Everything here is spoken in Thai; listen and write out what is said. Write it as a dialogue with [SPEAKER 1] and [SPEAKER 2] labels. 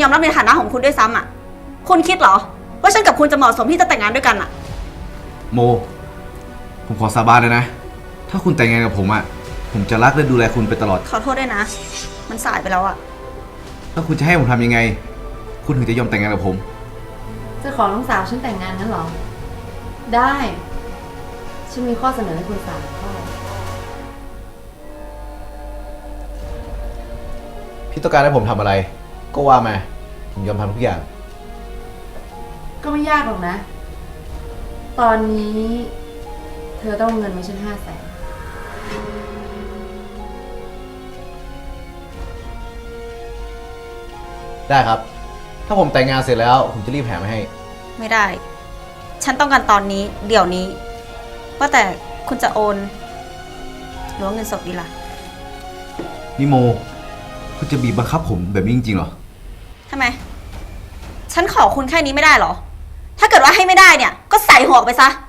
[SPEAKER 1] อมรับในฐานะของคุณด้วยซ้ำอ่ะคุณคิดเหรอว่าฉันกับคุณจะเหมาะสมที่จะแต่งงานด้วยกันอ่ะ
[SPEAKER 2] โมผมขอสาบานเลยนะถ้าคุณแต่งงานกับผมผมจะรักและดูแลคุณไปตลอด
[SPEAKER 1] ขอโทษด้วยนะมันสายไปแล้วอ่ะ
[SPEAKER 2] ถ้าคุณจะให้ผมทำยังไงคุณถึงจะยอมแต่งงานกับผม
[SPEAKER 3] จะขอน้องสาวฉันแต่งงานงั้นเหรอได้ ฉันมีข้อเสนอให้คุณ3 ข้อ
[SPEAKER 2] พี่ต้องการให้ผมทำอะไรก็ว่ามาผมยอมทำทุกอย่าง
[SPEAKER 3] ก็ไม่ยากหรอกนะ ตอนนี้เธอต้องเงินมาฉัน500,000
[SPEAKER 2] ได้ครับถ้าผมแต่งงานเสร็จแล้วผมจะรีบแถมให้
[SPEAKER 1] ไม่ได้ฉันต้องการตอนนี้เดี๋ยวนี้ว่าแต่คุณจะโอนหรือว่าเงินสดดีล่ะ
[SPEAKER 2] นี่โมคุณจะบีบบังคับผมแบบนี้จริงๆเหรอ
[SPEAKER 1] ทำไมฉันขอคุณแค่นี้ไม่ได้เหรอถ้าเกิดว่าให้ไม่ได้เนี่ยก็ใส่หัวออกไปซะ